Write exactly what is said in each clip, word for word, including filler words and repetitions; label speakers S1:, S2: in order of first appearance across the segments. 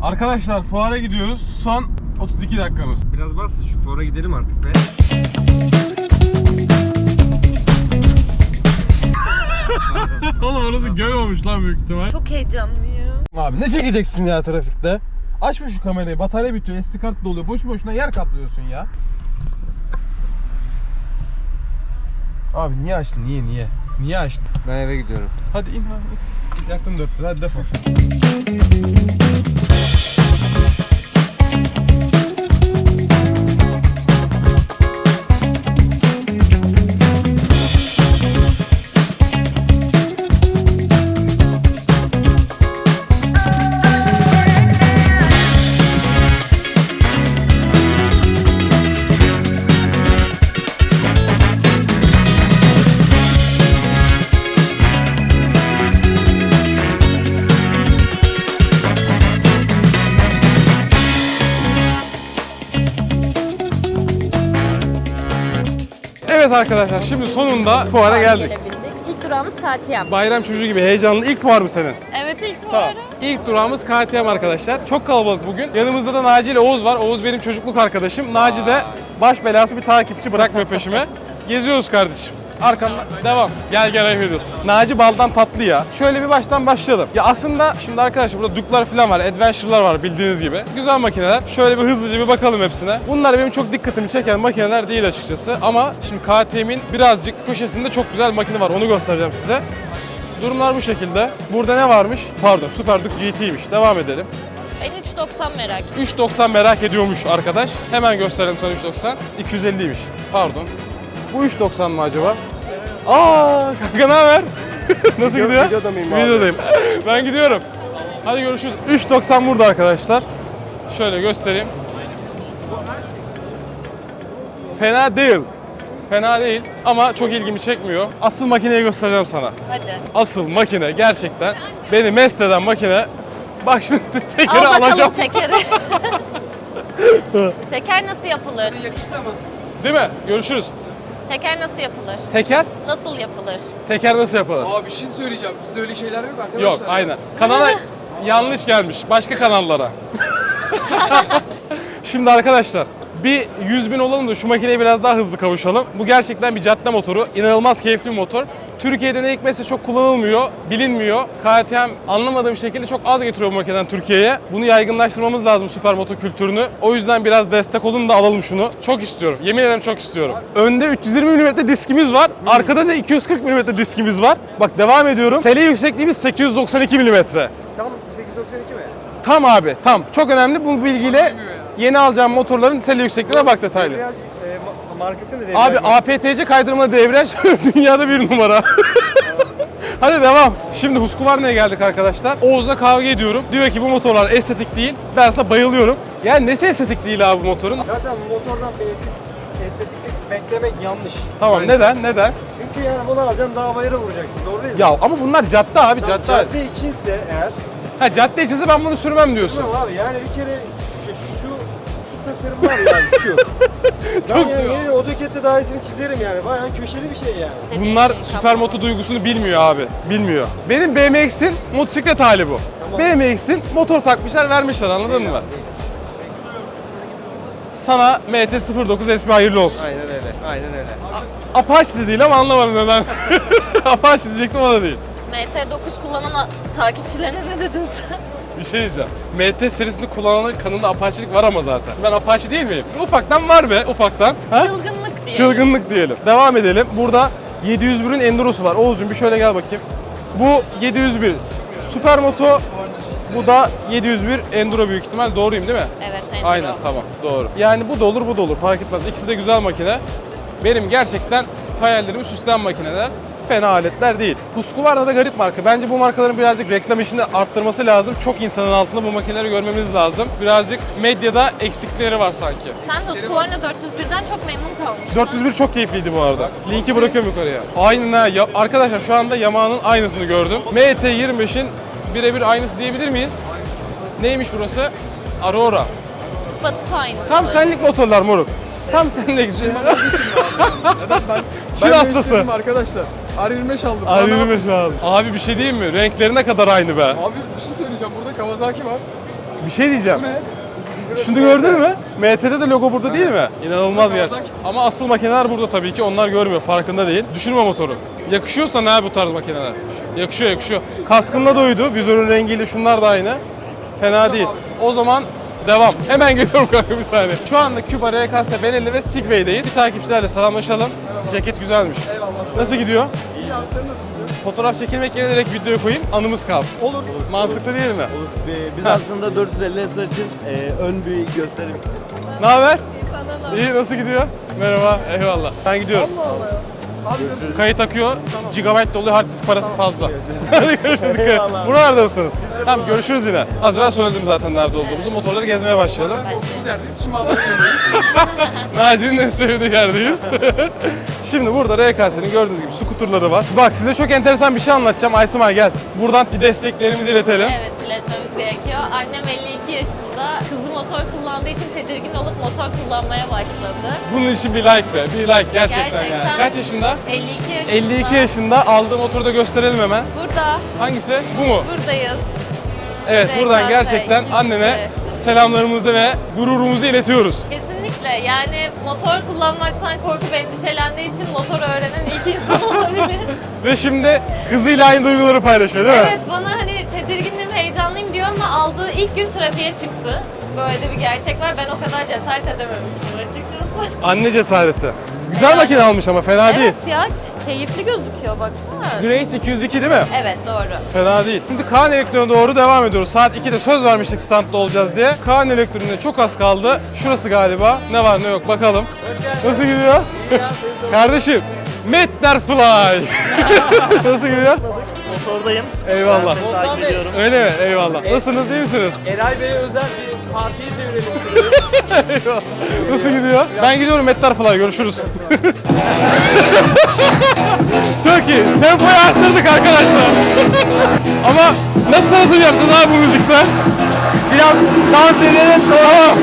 S1: Arkadaşlar fuara gidiyoruz. Son otuz iki dakikamız.
S2: Biraz bas şu fuara gidelim artık be.
S1: Oğlum orası göl olmuş lan büyük ihtimal.
S3: Çok heyecanlıyım.
S1: Abi ne çekeceksin ya trafikte? Açma şu kamerayı, batarya bitiyor, S D kart doluyor. Boşu boşuna yer kaplıyorsun ya. Abi niye açtın? Niye niye? Niye açtın?
S2: Ben eve gidiyorum.
S1: Hadi in abi. Yaktım dört lira, hadi defol. Evet arkadaşlar, şimdi sonunda fuara geldik.
S3: Gelebildik. İlk durağımız K T M.
S1: Bayram çocuğu gibi heyecanlı. İlk fuar mı senin?
S3: Evet ilk
S1: Tamam.
S3: fuarı.
S1: İlk durağımız K T M arkadaşlar. Çok kalabalık bugün. Yanımızda da Naci ile Oğuz var. Oğuz benim çocukluk arkadaşım. Naci de baş belası bir takipçi, bırakmıyor peşime. Geziyoruz kardeşim. Arkamdan devam. Gel gel ayıp ediyorsun. Naci baldan tatlı ya. Şöyle bir baştan başlayalım. Ya aslında şimdi arkadaşlar burada Duke'lar falan var, Adventure'lar var bildiğiniz gibi. Güzel makineler. Şöyle bir hızlıca bir bakalım hepsine. Bunlar benim çok dikkatimi çeken makineler değil açıkçası. Ama şimdi K T M'in birazcık köşesinde çok güzel makine var. Onu göstereceğim size. Durumlar bu şekilde. Burada ne varmış? Pardon, Super Duke G T'ymiş. Devam edelim.
S3: Ben üç doksan merak ediyorum.
S1: üç doksan merak ediyormuş arkadaş. Hemen gösterelim sana üç doksan. iki yüz elliymiş. Pardon. Bu üç doksan mı acaba? Aa, kanka ne haber? Nasıl
S2: Video-
S1: gidiyor?
S2: videoda mıyım abi?
S1: Videodayım. Ben gidiyorum. Hadi görüşürüz. üç doksan burada arkadaşlar. Şöyle göstereyim. Fena değil. Fena değil ama çok ilgimi çekmiyor. Asıl makineyi göstereceğim sana.
S3: Hadi.
S1: Asıl makine gerçekten beni mest eden makine. Bak şimdi tekeri
S3: Al bakalım
S1: alacağım.
S3: tekeri. Teker nasıl yapılır?
S1: Değil mi? Görüşürüz.
S3: Teker nasıl yapılır?
S1: Teker?
S3: Nasıl yapılır?
S1: Teker nasıl yapılır?
S4: Aa bir şey söyleyeceğim. Bizde öyle şeyler yok arkadaşlar.
S1: Yok, aynen. Kanala yanlış gelmiş. Başka kanallara. Şimdi arkadaşlar, bir yüz bin olalım da şu makineye biraz daha hızlı kavuşalım. Bu gerçekten bir cadde motoru. İnanılmaz keyifli bir motor. Türkiye'de ne hikmetse çok kullanılmıyor, bilinmiyor. K T M anlamadığım şekilde çok az getiriyor bu makineden Türkiye'ye. Bunu yaygınlaştırmamız lazım süpermoto kültürünü. O yüzden biraz destek olun da alalım şunu. Çok istiyorum. Yemin ederim çok istiyorum. Önde üç yüz yirmi milimetre diskimiz var. Arkada da iki yüz kırk milimetre diskimiz var. Bak devam ediyorum. Tele yüksekliğimiz sekiz yüz doksan iki milimetre.
S2: Tam sekiz yüz doksan iki mi?
S1: Tam abi, tam. Çok önemli bu bilgiyle yeni alacağım motorların sele yüksekliğine bak detaylı.
S2: Debriyaj, e, ma- markası ne debriyaj?
S1: Abi
S2: markası?
S1: A P T C kaydırma debriyaj dünyada bir numara. Hadi devam. Şimdi Husqvarna'ya geldik arkadaşlar. Oğuz'la kavga ediyorum. Diyor ki bu motorlar estetik değil. Ben ise bayılıyorum. Yani nesi estetik değil abi bu motorun?
S2: Zaten bu motordan bir estetik, estetiklik beklemek yanlış.
S1: Tamam,
S2: Bence.
S1: neden? Neden?
S2: Çünkü yani bunu alacaksın dağ bayıra vuracaksın. Doğru değil mi?
S1: Ya ama bunlar cadde abi,
S2: Tamam,
S1: cadde.
S2: cadde içinse eğer.
S1: Ha cadde içinse ben bunu sürmem diyorsun.
S2: Tamam abi yani bir kere şu, şu, şu tasarım var yani şu. ben
S1: Çok
S2: yani yeni AutoCAD'de daha iyisini çizerim yani. Bayağı köşeli bir şey yani.
S1: Bunlar süpermoto duygusunu bilmiyor abi. Bilmiyor. Benim B M X'in motosiklet hali bu.
S2: Tamam.
S1: B M X'in motor takmışlar, vermişler, anladın mı? Sana M T sıfır dokuz S P hayırlı olsun.
S2: Aynen öyle. Aynen öyle.
S1: Apache de değil ama anlamadım neden. Apache diyecektim, o da değil.
S3: M T dokuz kullanan a- takipçilerine ne dedin sen?
S1: Bir şey diyeceğim. M T serisini kullananın kanında Apache'lik var ama zaten. Ben Apache değil miyim? Ufaktan var be, ufaktan. Ha?
S3: Çılgınlık diye.
S1: Çılgınlık diyelim. Devam edelim. Burada yedi yüz birin Enduro'su var. Oğuzcum bir şöyle gel bakayım. Bu yedi yüz bir Supermoto. Bu da yedi yüz bir Enduro büyük ihtimal. Doğruyum değil mi?
S3: Evet, Enduro.
S1: Aynen, tamam, doğru. Yani bu da olur, bu da olur, fark etmez. İkisi de güzel makine. Benim gerçekten hayallerimi süsleyen makineler. Fena aletler değil. Husqvarna da garip marka. Bence bu markaların birazcık reklam işini arttırması lazım. Çok insanın altında bu makineleri görmemiz lazım. Birazcık medyada eksikleri var sanki.
S3: Sen Husqvarna dört yüz birden çok memnun kalmışsın.
S1: dört yüz bir çok keyifliydi bu arada. Linki bırakıyorum yukarıya. Aynen ha. Ya, arkadaşlar şu anda Yamaha'nın aynısını gördüm. M T yirmi beşin birebir aynısı diyebilir miyiz? Neymiş burası? Aurora.
S3: Tıpatıp aynısı.
S1: Tam senlik motorlar moruk. Tam senlik.
S4: Neden ben?
S1: Çin
S4: ben
S1: hastası.
S4: değiştirdim arkadaşlar. R yirmi beş aldım.
S1: Abi,
S4: Bana-
S1: yirmi beş abi. Abi bir şey diyeyim mi? Renklerine kadar aynı be.
S4: Abi bir şey söyleyeceğim. Burada Kawasaki var.
S1: Bir şey diyeceğim.
S4: Bu ne?
S1: Şunu gördün mü? M T'de de logo burada değil mi? İnanılmaz gerçekten. Ama asıl makineler burada tabii ki. Onlar görmüyor, farkında değil. Düşürme motoru. Yakışıyor sana ha bu tarz makineler. Yakışıyor, yakışıyor. Kaskınla da uydu. Vizörün rengiyle şunlar da aynı. Fena değil. O zaman devam. Hemen geliyorum kanka bir saniye. Şu anda Cuba, R K S, Benelli ve Segway'deyiz. Bir takipçilerle selamlaşalım. Ceket güzelmiş.
S4: Eyvallah.
S1: Nasıl gidiyor?
S4: İyi abi sen nasıl gidiyor?
S1: Fotoğraf çekilmek yerine direkt videoya koyayım. Anımız kalsın.
S4: Olur.
S1: Mantıklı değil mi?
S2: Olur. Ee, Biz aslında dört yüz elli S için e, ön bir gösterim.
S1: Ne haber?
S3: Sana da.
S1: İyi, nasıl gidiyor? Merhaba, eyvallah. Ben gidiyorum.
S4: Allah Allah ya. Abi nasıl?
S1: Kayıt akıyor, gigabyte doluyor, hard disk parası fazla. Hadi görüşürüz.
S2: Eyvallah.
S1: Buralarda mısınız? Tamam, görüşürüz yine. Az evvel söyledim zaten nerede olduğumuzu. Motorları gezmeye başlayalım.
S4: Biz yerdeyiz. Şimdi Malatya'dayız.
S1: Naci'nin en sevdiği yerdeyiz. Şimdi burada R K S'nin gördüğünüz gibi skuterları var. Bak size çok enteresan bir şey anlatacağım. Aysimay gel. Buradan bir desteklerimizi iletelim.
S3: Evet, iletmemiz gerekiyor. Annem elli iki yaşında. Kızı motor kullandığı için tedirgin olup motor kullanmaya başladı.
S1: Bunun için bir like be, bir like gerçekten, yani.
S3: Gerçekten.
S1: Kaç yaşında?
S3: elli iki yaşında.
S1: elli iki yaşında. Aldığı motoru da gösterelim hemen.
S3: Burada,
S1: Hangisi? Bu mu?
S3: buradayız.
S1: Evet,
S3: R K S,
S1: buradan gerçekten
S3: ikisi.
S1: annene selamlarımızı ve gururumuzu iletiyoruz.
S3: Kesinlikle. Yani motor kullanmaktan korkup endişelendiği için motor öğrenen ilk insan olabilir.
S1: Ve şimdi kızıyla aynı duyguları paylaşıyor değil mi?
S3: Evet, bana hani tedirgindim, heyecanlıyım diyor ama aldığı ilk gün trafiğe çıktı. Böyle de bir gerçek var. Ben o kadar cesaret edememiştim açıkçası.
S1: Anne cesareti. Güzel makine almış ama fena değil.
S3: Evet ya, keyifli gözüküyor baksana.
S1: Grace iki yüz iki değil mi?
S3: Evet, doğru.
S1: Fena değil. Şimdi Kaan Elektronik'e doğru devam ediyoruz. Saat ikide söz vermiştik standta olacağız diye. Kaan Elektronik'e çok az kaldı. Şurası galiba. Ne var ne yok bakalım. Nasıl gidiyor? Kardeşim. Metterfly. Nasıl gidiyor?
S2: Motordayım.
S1: Eyvallah.
S2: Ben seni takip ediyorum.
S1: Öyle mi? Eyvallah. Nasılsınız? İyi misiniz?
S2: Eray Bey'e özel bir partiyi devirelim.
S1: Eyvallah. Nasıl gidiyor? Ben gidiyorum Metterfly. Görüşürüz. Çok iyi. Tempoyu arttırdık arkadaşlar. Ama nasıl tanıtım yaptın abi bu müzikten?
S2: Biraz dans edelim
S1: Tamam.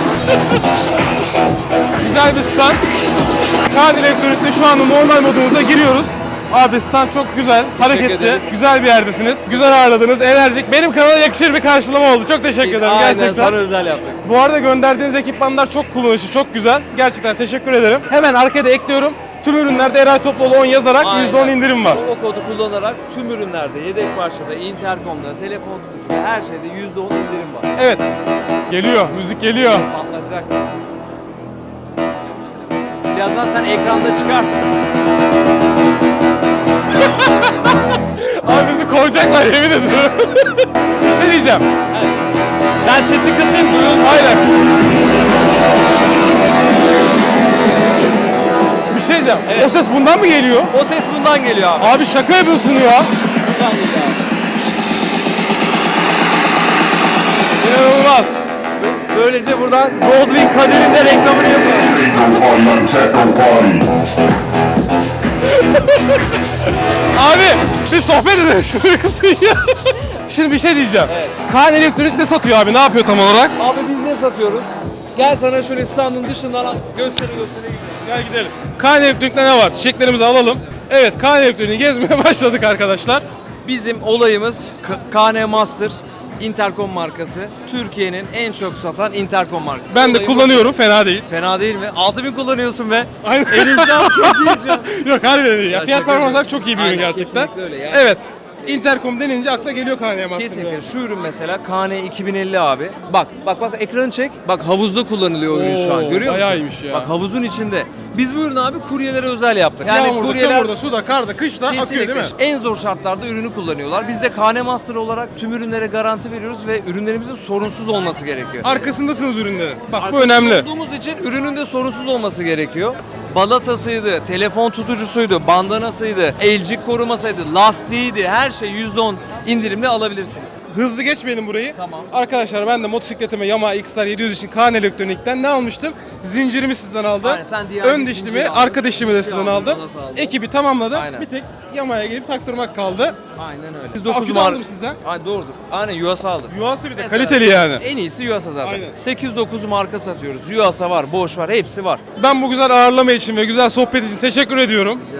S1: Güzel bir stand. Kaan Elektronik'te şu anda normal modumuza giriyoruz. Abi stand çok güzel, hareketli,
S5: ederiz.
S1: güzel bir yerdesiniz. Güzel ağırladınız, enerjik. Benim kanala yakışır bir karşılama oldu. Çok teşekkür ederim
S5: Aynen
S1: gerçekten.
S5: sana özel yaptık.
S1: Bu arada gönderdiğiniz ekipmanlar çok kullanışlı, çok güzel. Gerçekten teşekkür ederim. Hemen arkada ekliyorum. Tüm ürünlerde Eray Topluoğlu on yazarak
S5: Aynen.
S1: yüzde on indirim var.
S5: Promo kodu kullanarak tüm ürünlerde, yedek parçada, interkomda, telefon tutuşunda her şeyde yüzde on indirim var.
S1: Evet. Geliyor, müzik geliyor.
S5: Patlatacak. Birazdan sen ekranda çıkarsın.
S1: Abi bizi kovacaklar yemin ediyorum. Bir şey diyeceğim.
S5: Evet.
S1: Ben sesi kısayım duyun. Aynen. Bir şey diyeceğim.
S5: Evet.
S1: O ses bundan mı geliyor?
S5: O ses bundan geliyor abi.
S1: Abi şaka yapıyorsun ya.
S5: Bundan geliyor abi.
S1: İnanılmaz.
S5: Böylece buradan Goldwing kaderinde reklamını yapıyoruz.
S1: Abi bir sohbet edelim. Şunu kısayım ya. Şimdi bir şey diyeceğim.
S5: Evet.
S1: Kaan Elektronik ne satıyor abi? Ne yapıyor tam olarak?
S5: Abi biz ne satıyoruz? Gel sana şöyle standın dışından gösteri gösteri.
S1: Gel gidelim. Kaan Elektronik'te ne var? Çiçeklerimizi alalım. Evet, Kaan Elektronik'i gezmeye başladık arkadaşlar.
S5: Bizim olayımız K- K N Master Intercom markası. Türkiye'nin en çok satan intercom markası.
S1: Ben de
S5: Olayımız-
S1: kullanıyorum, fena değil.
S5: Fena değil mi? altı bin kullanıyorsun be.
S1: Aynen.
S5: Elinizden çok iyi canım.
S1: Yok harbiden değil. Ya,
S5: Ya
S1: fiyat
S5: şaka
S1: performans olarak
S5: yapıyorum.
S1: çok iyi bir ürün
S5: Aynen,
S1: gerçekten.
S5: kesinlikle öyle ya.
S1: Evet. Intercom denince akla geliyor K N Master.
S5: Kesinlikle. Şu ürün mesela K N iki bin elli abi. Bak bak bak ekranı çek. Bak havuzda kullanılıyor o ürün şu an.
S1: Oo,
S5: Görüyor musun?
S1: bayağı iyiymiş ya.
S5: Bak havuzun içinde. Biz bu ürünü abi kuryelere özel yaptık.
S1: Yani Yağmurda, çamurda, suda, karda, kışta akıyor değil mi?
S5: Kesinlikle. En zor şartlarda ürünü kullanıyorlar. Biz de K N Master olarak tüm ürünlere garanti veriyoruz ve ürünlerimizin sorunsuz olması gerekiyor.
S1: Arkasındasınız ürünlerin. Bak bu
S5: Arkasında
S1: önemli.
S5: olduğumuz için ürünün de sorunsuz olması gerekiyor. Balatasıydı, telefon tutucusuydu, bandanasıydı, elcik korumasıydı, lastiğiydi, her şey yüzde on indirimle alabilirsiniz.
S1: Hızlı geçmeyelim burayı.
S5: Tamam.
S1: Arkadaşlar ben de motosikletime Yamaha X R yedi yüz için Kaan Elektronik'ten ne almıştım? Zincirimi sizden aldım.
S5: Aynen, sen diğer
S1: Ön
S5: bir
S1: dişlimi,
S5: zinciri aldın.
S1: arka dişlimi de
S5: Dişi
S1: sizden
S5: aldın,
S1: aldım.
S5: balata aldın.
S1: Ekibi tamamladım.
S5: Aynen.
S1: Bir tek Yamaha'ya gelip taktırmak kaldı.
S5: Aynen öyle.
S1: Akü
S5: dokuz
S1: de
S5: mar-
S1: aldım sizden.
S5: Aynen doğrudur. Aynen U S A aldım.
S1: Yuhası bir de
S5: Mesela
S1: kaliteli yani.
S5: En iyisi U S A zaten.
S1: Aynen.
S5: sekiz dokuz marka satıyoruz. U S A var, Bosch var, hepsi var.
S1: Ben bu güzel ağırlama için ve güzel sohbet için teşekkür ediyorum.
S5: Rica ederim.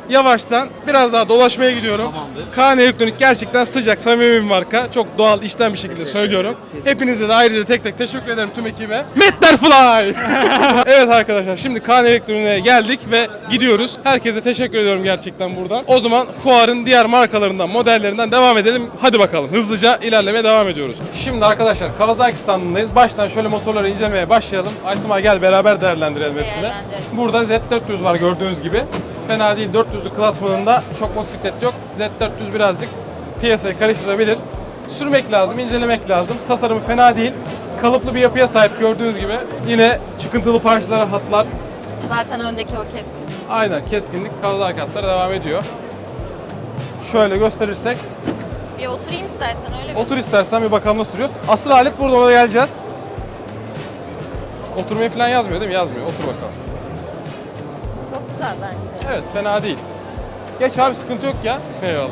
S1: yavaştan biraz daha dolaşmaya gidiyorum.
S5: Tamamdır.
S1: Kaan Elektronik gerçekten sıcak, samimi bir marka. Çok doğal, içten bir şekilde söylüyorum. Hepinize de ayrıca tek tek teşekkür ederim tüm ekibe. Metterfly! Evet arkadaşlar, şimdi Kaan Elektronik'e geldik ve gidiyoruz. Herkese teşekkür ediyorum gerçekten buradan. O zaman fuarın diğer markalarından, modellerinden devam edelim. Hadi bakalım, hızlıca ilerlemeye devam ediyoruz. Şimdi arkadaşlar Kawasaki standındayız. Baştan şöyle motorları incelemeye başlayalım. Aysima gel beraber değerlendirelim hepsini.
S3: Değerlendirelim.
S1: Burada Z dört yüz var gördüğünüz gibi. Fena değil, dört yüzlü klasmanında çok motosiklet yok. Z dört yüz birazcık piyasayı karıştırabilir. Sürmek lazım, incelemek lazım. Tasarımı fena değil. Kalıplı bir yapıya sahip gördüğünüz gibi. Yine çıkıntılı parçalar, hatlar.
S3: Zaten öndeki o kesin.
S1: Aynen, keskinlik, Kawasaki hatları devam ediyor. Şöyle gösterirsek.
S3: Bir oturayım istersen öyle bir.
S1: Otur istersen bir bakalım nasıl duruyor. Asıl alet burada, ona geleceğiz. Oturmayı falan yazmıyor değil mi? Yazmıyor. Otur bakalım.
S3: Çok güzel bence.
S1: Evet, fena değil. Geç abi, sıkıntı yok ya. Eyvallah.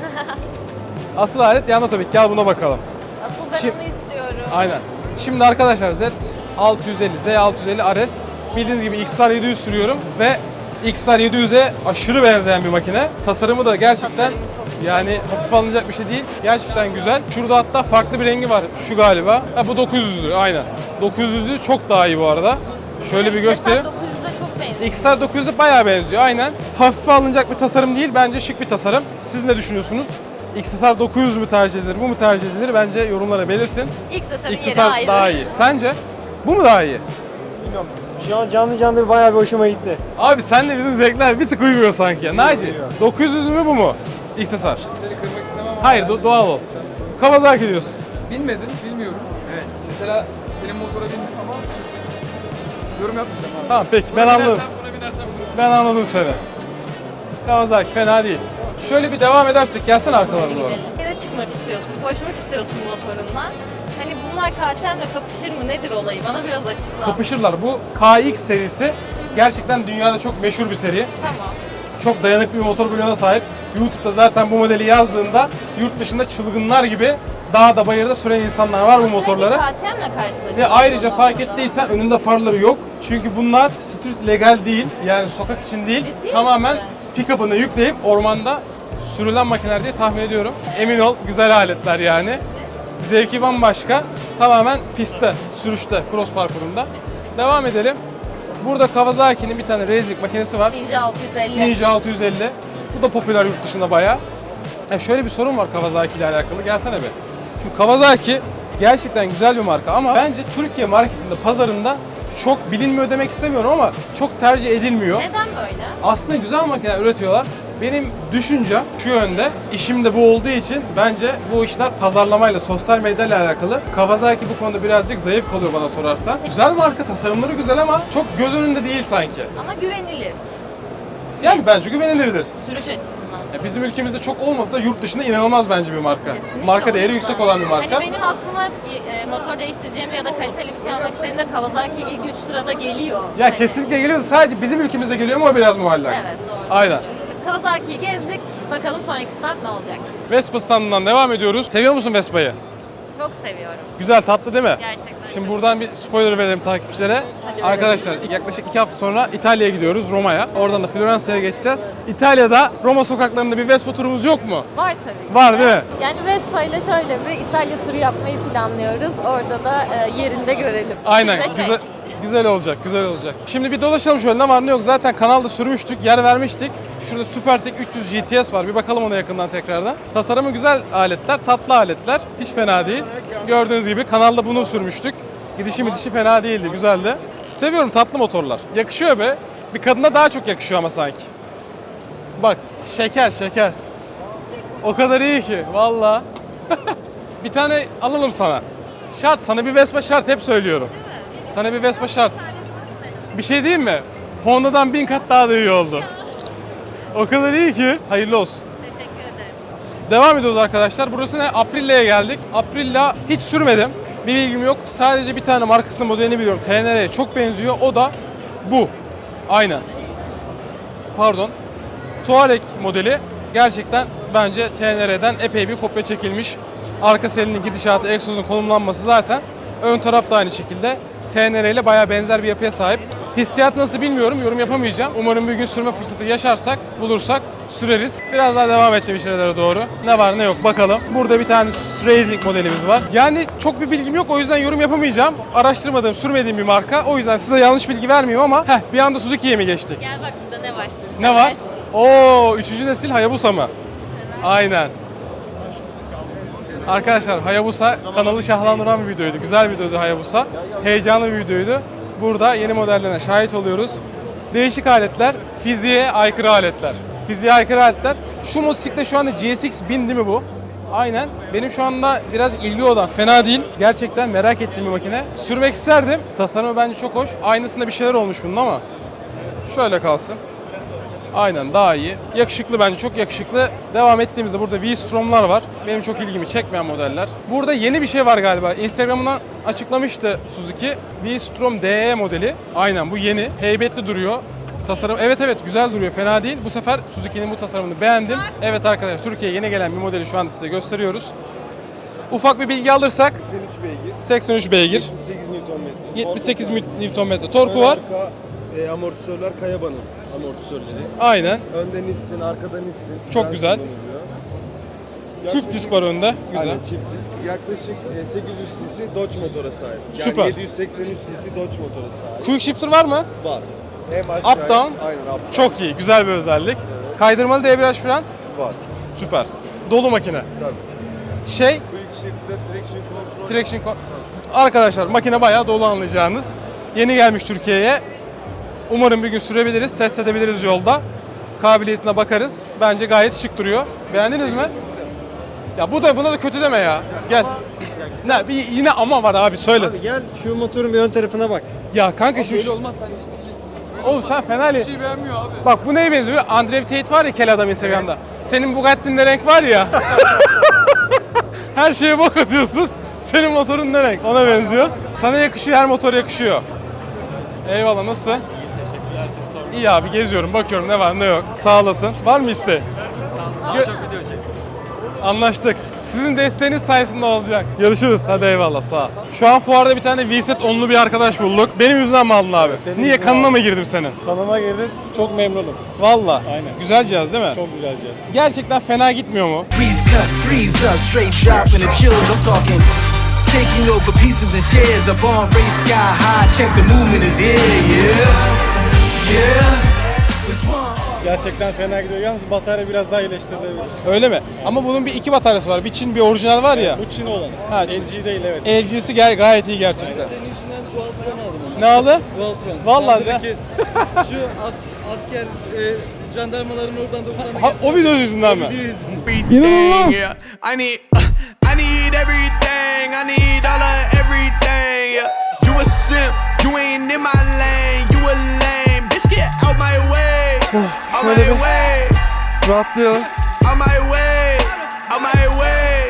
S1: Asıl alet yanında tabii ki. Gel buna bakalım.
S3: Asıl ben
S1: Şimdi-
S3: onu istiyorum.
S1: Aynen. Şimdi arkadaşlar Z altı yüz elli, Z altı yüz elli R S. Bildiğiniz gibi X R yedi yüz sürüyorum ve X R yedi yüze aşırı benzeyen bir makine. Tasarımı da gerçekten
S3: Tasarımı çok güzel.
S1: yani hafife alınacak bir şey değil. Gerçekten güzel. Şurada hatta farklı bir rengi var. Şu galiba. Ha, bu dokuz yüzlü aynen. dokuz yüzlü çok daha iyi bu arada. Şöyle bir göstereyim.
S3: dokuz yüze çok benziyor.
S1: X R dokuz yüze bayağı benziyor aynen. Hafife alınacak bir tasarım değil. Bence şık bir tasarım. Siz ne düşünüyorsunuz? X R dokuz yüz mü tercih edilir, bu mu tercih edilir? Bence yorumlara belirtin.
S3: X S S'nin
S1: X
S3: yeri
S1: R
S3: ayrı.
S1: daha iyi. Sence? Bu mu daha iyi?
S2: Bilmiyorum. Şu an canlı canlı bayağı bir hoşuma gitti.
S1: Abi senle bizim zevkler bir tık uymuyor sanki. Naci,
S2: Uyuyor.
S1: dokuz yüz mü bu mu? X S R.
S4: Seni kırmak istemem ama
S1: Hayır, do- doğal ol. Kawasaki diyorsun.
S4: bilmedim, bilmiyorum.
S2: Evet.
S4: Mesela senin motora bindim ama yorum yapmayacağım abi.
S1: Tamam peki, ben
S4: Buna
S1: anladım.
S4: binersem, Buna binersem bunu.
S1: Ben anladım seni. Kawasaki fena değil. Şöyle bir devam edersek gelsene arkalarına doğru.
S3: Yere çıkmak istiyorsun, koşmak istiyorsun motorunla. Hani bunlar K T M'le kapışır mı? Nedir olayı? Bana biraz açıkla.
S1: Kapışırlar. Bu K X serisi gerçekten dünyada çok meşhur bir seri.
S3: Tamam.
S1: Çok dayanıklı bir motor bloğuna sahip. YouTube'da zaten bu modeli yazdığında yurt dışında çılgınlar gibi dağda bayırda süren insanlar var bu motorları.
S3: K T M'le karşılaşıyorsun.
S1: Ve ayrıca
S3: o
S1: fark
S3: noktada.
S1: ettiysen önünde farları yok. Çünkü bunlar street legal değil. Yani sokak için değil.
S3: Ciddi
S1: Tamamen
S3: misin?
S1: pick-up'ını yükleyip ormanda sürülen makineler diye tahmin ediyorum. Emin ol, güzel aletler yani. Zevki bambaşka. Tamamen pistte, sürüşte, cross parkurunda. Devam edelim. Burada Kawasaki'nin bir tane racing makinesi var.
S3: Ninja altı yüz elli.
S1: Ninja altı yüz elli. Bu da popüler yurt dışında bayağı. Ya şöyle bir sorun var Kawasaki ile alakalı. Gelsene be. Şimdi Kawasaki gerçekten güzel bir marka ama bence Türkiye marketinde, pazarında çok bilinmiyor demek istemiyorum ama çok tercih edilmiyor.
S3: Neden böyle?
S1: Aslında güzel makineler üretiyorlar. Benim düşüncem şu yönde, işim de bu olduğu için bence bu işler pazarlamayla, sosyal medyayla alakalı. Kawasaki bu konuda birazcık zayıf kalıyor bana sorarsan. Güzel marka, tasarımları güzel ama çok göz önünde değil sanki.
S3: Ama güvenilir.
S1: Yani bence güvenilirdir.
S3: Sürüş açısından.
S1: Ya bizim ülkemizde çok olmasa da yurt dışında inanılmaz bence bir marka.
S3: Kesinlikle
S1: Marka
S3: o
S1: değeri
S3: yüzden.
S1: yüksek olan bir marka.
S3: Hani benim aklıma e, motor değiştireceğim ya da kaliteli bir şey almak istediğimde Kawasaki ilk üç sırada geliyor.
S1: Ya
S3: Hani-
S1: kesinlikle geliyor. Sadece bizim ülkemizde geliyor ama o biraz muallak.
S3: Evet doğru.
S1: Aynen.
S3: Kawasaki'yi gezdik. Bakalım sonraki start ne olacak?
S1: Vespa standından devam ediyoruz. Seviyor musun Vespa'yı?
S3: Çok seviyorum.
S1: Güzel, tatlı değil mi?
S3: Gerçekten
S1: Şimdi
S3: çok
S1: buradan bir spoiler verelim takipçilere.
S3: Hadi
S1: Arkadaşlar yaklaşık iki hafta sonra İtalya'ya gidiyoruz, Roma'ya. Oradan da Floransa'ya geçeceğiz. İtalya'da Roma sokaklarında bir Vespa turumuz yok mu?
S3: Var tabii ki.
S1: Var değil mi?
S3: Yani Vespa ile şöyle bir İtalya turu yapmayı planlıyoruz. Orada da e, yerinde görelim.
S1: Aynen.
S3: Bize çek.
S1: Güzel, güzel olacak, güzel olacak. Şimdi bir dolaşalım şöyle, ne var ne yok. Zaten kanalda sürmüştük, yer vermiştik. Şurada Supertech üç yüz G T S var. Bir bakalım ona yakından tekrardan. Tasarımı güzel aletler, tatlı aletler. Hiç fena değil. Gördüğünüz gibi kanalda bunu sürmüştük. Gidişi midişi fena değildi, güzeldi. Seviyorum tatlı motorlar. Yakışıyor be. Bir kadına daha çok yakışıyor ama sanki. Bak, şeker şeker. O kadar iyi ki, valla. Bir tane alalım sana. Şart, sana bir Vespa şart, hep söylüyorum. Sana bir Vespa şart. Bir şey diyeyim mi? Honda'dan bin kat daha da iyi oldu. O kadar iyi ki. Hayırlı olsun.
S3: Teşekkür ederim.
S1: Devam ediyoruz arkadaşlar. Burası ne? Aprilia'ya geldik. Aprilia hiç sürmedim. Bir bilgim yok. Sadece bir tane markasının modelini biliyorum. T N R'ye çok benziyor. O da bu. Aynen. Pardon. Touareg modeli. Gerçekten bence T N R'den epey bir kopya çekilmiş. Arka selinin gidişatı, egzozun konumlanması zaten. Ön taraf da aynı şekilde. T N R ile bayağı benzer bir yapıya sahip. Hissiyat nasıl bilmiyorum, yorum yapamayacağım. Umarım bir gün sürme fırsatı yaşarsak, bulursak süreriz. Biraz daha devam edeceğim işlere doğru. Ne var ne yok bakalım. Burada bir tane Racing modelimiz var. Yani çok bir bilgim yok, o yüzden yorum yapamayacağım. Araştırmadığım, sürmediğim bir marka. O yüzden size yanlış bilgi vermeyeyim ama heh, bir anda Suzuki'ye mi geçtik?
S3: Gel bak burada ne var?
S1: Ne var? Oo, üçüncü nesil Hayabusa mı? Aynen. Arkadaşlar Hayabusa kanalı şahlandıran bir videoydu. Güzel bir videoydu Hayabusa. Heyecanlı bir videoydu. Burada yeni modellerine şahit oluyoruz. Değişik aletler, fiziğe aykırı aletler. Fiziğe aykırı aletler. Şu motosiklet şu anda G S X bin değil mi bu? Aynen. Benim şu anda biraz ilgi olan, fena değil. Gerçekten merak ettiğim bir makine. Sürmek isterdim. Tasarımı bence çok hoş. Aynısında bir şeyler olmuş bunun ama. Şöyle kalsın. Aynen daha iyi. Yakışıklı bence, çok yakışıklı. Devam ettiğimizde burada V-Strom'lar var. Benim çok ilgimi çekmeyen modeller. Burada yeni bir şey var galiba. Instagram'dan açıklamıştı Suzuki. V-Strom D E modeli. Aynen bu yeni. Heybetli duruyor. Tasarım evet evet güzel duruyor, fena değil. Bu sefer Suzuki'nin bu tasarımını beğendim. Evet arkadaşlar, Türkiye'ye yeni gelen bir modeli şu anda size gösteriyoruz. Ufak bir bilgi alırsak
S2: seksen üç beygir.
S1: seksen üç beygir,
S2: yetmiş sekiz Newton metre.
S1: yetmiş sekiz Newton metre torku var.
S2: Arka e, amortisörler Kayaba'nın amortisörleri.
S1: Aynen.
S2: Önden Nissin, arkadan Nissin.
S1: Çok
S2: Fren
S1: güzel.
S2: kullanılıyor.
S1: Çift
S2: Yaklaşık-
S1: disk var önde. Güzel.
S2: Aynen, çift disk. Yaklaşık e, sekiz yüz cc Dodge motora sahip. Yani
S1: Süper.
S2: yedi yüz seksen üç cc Dodge motora sahip.
S1: Quick shifter var mı?
S2: Var. Hem aşağı,
S1: Up down.
S2: Aynen up down.
S1: Çok iyi, güzel bir özellik. Kaydırmalı debriyaj fren.
S2: Var.
S1: Süper. Dolu makine.
S2: Tabii.
S1: Şey,
S2: Quick shifter, traction control.
S1: traction con- Arkadaşlar makine bayağı dolu anlayacağınız. Yeni gelmiş Türkiye'ye. Umarım bir gün sürebiliriz, test edebiliriz yolda. Kabiliyetine bakarız. Bence gayet şık duruyor. Beğendiniz mi? Ya bu da buna da kötü deme ya. Gel. Ne bir yine ama var abi, söyle.
S2: Abi gel şu motorun bir ön tarafına bak.
S1: Ya kanka şimdi
S4: Böyle
S1: şu-
S4: olmaz sen.
S1: oğlum sen fena
S4: Hiçbir
S1: değil.
S4: şey beğenmiyor abi.
S1: Bak bu neye benziyor? Andrew Tate var ya, kel adam Instagram'da. Senin Bugatti'nin renk var ya. Her şeye bok atıyorsun. Senin motorun ne renk? Ona benziyor. Sana yakışıyor, her motor yakışıyor. Eyvallah, nasılsın? İyi, teşekkürler, siz sorun. İyi abi, geziyorum, bakıyorum ne var ne yok. Sağ olasın. Var mı isteğin? Sağ olun. video çek. Anlaştık. Sizin desteğiniz sayesinde olacak. Görüşürüz. Hadi eyvallah, sağ ol. Şu an fuarda bir tane V-Set onlu bir arkadaş bulduk. Benim yüzümden mi aldın abi?
S2: senin
S1: Niye?
S2: yüzünden
S1: Kanına
S2: aldım.
S1: mı girdim senin?
S2: Kanıma girdin. Çok memnunum.
S1: Valla.
S2: Aynen.
S1: Güzel cihaz değil mi?
S2: Çok güzel cihaz.
S1: Gerçekten fena gitmiyor mu?
S6: Freeze cut, freeze up, straight drop in the chills. I'm talking taking over pieces and shares. A bomb race sky high. Check the movement is here, yeah, yeah. It's one.
S2: Gerçekten fena gidiyor. Yalnız batarya biraz daha iyileştirilebilir.
S1: Öyle mi? Ama bunun bir iki bataryası var. Bir Çin, bir orijinal var ya.
S2: Bu Çin olan.
S1: Ha, Çin.
S2: L G değil evet.
S1: L G'si gay gayet iyi gerçekten.
S2: Senin yüzünden Dualtron aldım onu.
S1: Ne aldı?
S2: Dualtron.
S1: Vallahi de.
S2: Sendeki şu as, asker e, jandarmaların oradan doksan
S1: Ha, o video yüzünden mi?
S6: Everything, yeah. I need, uh, I need everything. I need all of everything, yeah. You a simp, you ain't in my lane. You a lame, bitch, get out my way. Out my way,
S1: Rahatlıyor.
S6: out my way, out my way.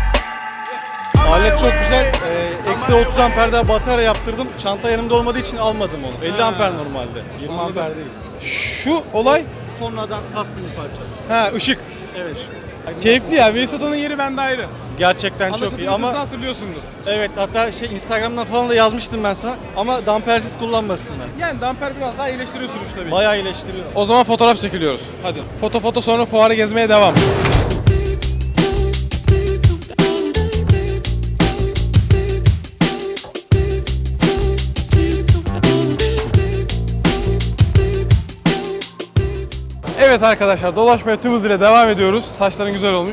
S6: Out my
S2: Alet çok
S6: way.
S2: güzel. Ee, Eksi otuz amperde batarya yaptırdım. Çanta yanımda olmadığı için almadım onu. elli amper normalde. yirmi amper değil.
S1: Şu olay,
S2: Sonradan custom bir parça.
S1: ha ışık.
S2: Evet.
S1: Keyifli ya. V-Set'in yeri bende ayrı.
S2: Gerçekten çok
S1: Anlaşıldığı
S2: iyi ama
S1: videosunu hatırlıyorsundur.
S2: evet, hatta şey Instagram'dan falan da yazmıştım ben sana ama dampersiz kullanmasınlar.
S1: Yani damper biraz daha iyileştiriyor sürüş tabii.
S2: Bayağı iyileştiriyor.
S1: O zaman fotoğraf çekiliyoruz. Hadi. Foto foto sonra fuarı gezmeye devam. Evet arkadaşlar, dolaşmaya tüm hızıyla devam ediyoruz. Saçların güzel olmuş.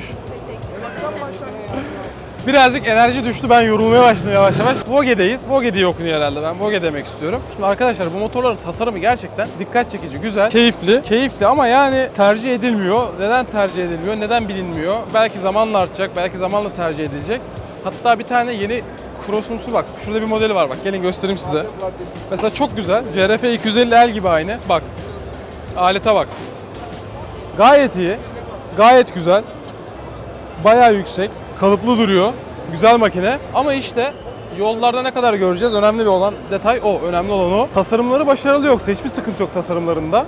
S1: Birazcık enerji düştü, ben yorulmaya başladım yavaş yavaş. Voge'deyiz. Voge diye okunuyor herhalde, ben Voge demek istiyorum. Şimdi arkadaşlar bu motorların tasarımı gerçekten dikkat çekici, güzel, keyifli. Keyifli ama yani tercih edilmiyor. Neden tercih edilmiyor, neden bilinmiyor? Belki zamanla artacak, belki zamanla tercih edilecek. Hatta bir tane yeni Cross'umsu bak, şurada bir modeli var bak, gelin göstereyim size. Mesela çok güzel, C R F iki yüz elli L gibi aynı. Bak, alete bak. Gayet iyi, gayet güzel. Bayağı yüksek, kalıplı duruyor. Güzel makine. Ama işte yollarda ne kadar göreceğiz? Önemli bir olan detay o. Önemli olan o. Tasarımları başarılı yoksa hiçbir sıkıntı yok tasarımlarında.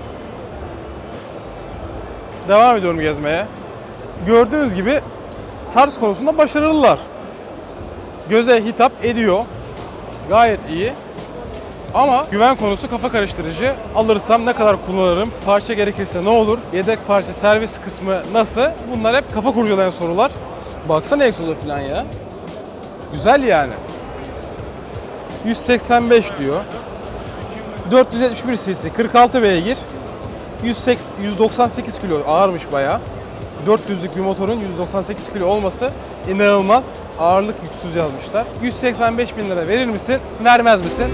S1: Devam ediyorum gezmeye. Gördüğünüz gibi tarz konusunda başarılılar. Göze hitap ediyor. Gayet iyi. Ama güven konusu kafa karıştırıcı. Alırsam ne kadar kullanırım? Parça gerekirse ne olur? Yedek parça servis kısmı nasıl? Bunlar hep kafa kurcalayan sorular. Baksana egzoza falan ya. Güzel yani. yüz seksen beş diyor. dört yüz yetmiş bir cc, kırk altı beygir. yüz seksen, yüz doksan sekiz kilo, ağırmış bayağı. dört yüzlük bir motorun yüz doksan sekiz kilo olması inanılmaz. Ağırlık yüksüz yazmışlar. yüz seksen beş bin lira verir misin, vermez misin?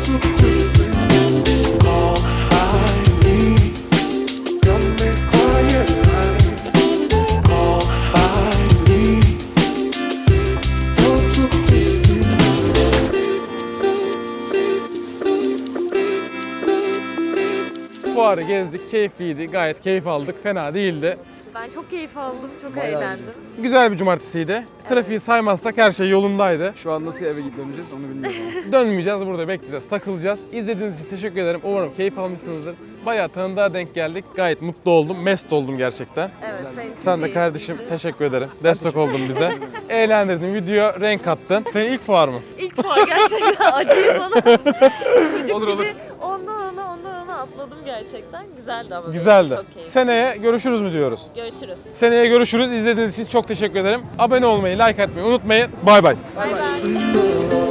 S1: Fuarı gezdik, keyifliydi, gayet keyif aldık, fena değildi.
S3: Ben çok keyif aldım, çok eğlendim.
S1: Güzel bir cumartesiydi. Trafiği saymazsak her şey yolundaydı.
S4: Şu an nasıl eve git döneceğiz onu bilmiyorum.
S1: Dönmeyeceğiz, burada bekleyeceğiz, takılacağız. İzlediğiniz için teşekkür ederim. Umarım keyif almışsınızdır. Bayağı tanıdığa denk geldik. Gayet mutlu oldum, mest oldum gerçekten.
S3: Evet, senin için
S1: Sen de
S3: de
S1: kardeşim teşekkür ederim. Destek oldun bize. Eğlendirdin, video renk kattın. Senin ilk fuar mı?
S3: İlk fuar gerçekten acıyı bana. Çocuk
S4: Olur, olur.
S3: gibi ondan ona ondan ona atladım gerçekten. Güzeldi ama. benim
S1: Güzeldi.
S3: Çok keyifli.
S1: Seneye görüşürüz mü diyoruz?
S3: Görüşürüz.
S1: Seneye görüşürüz. İzlediğiniz için çok teşekkür ederim. Abone olmayı, like atmayı unutmayın. Bay bay.
S3: Bay bay.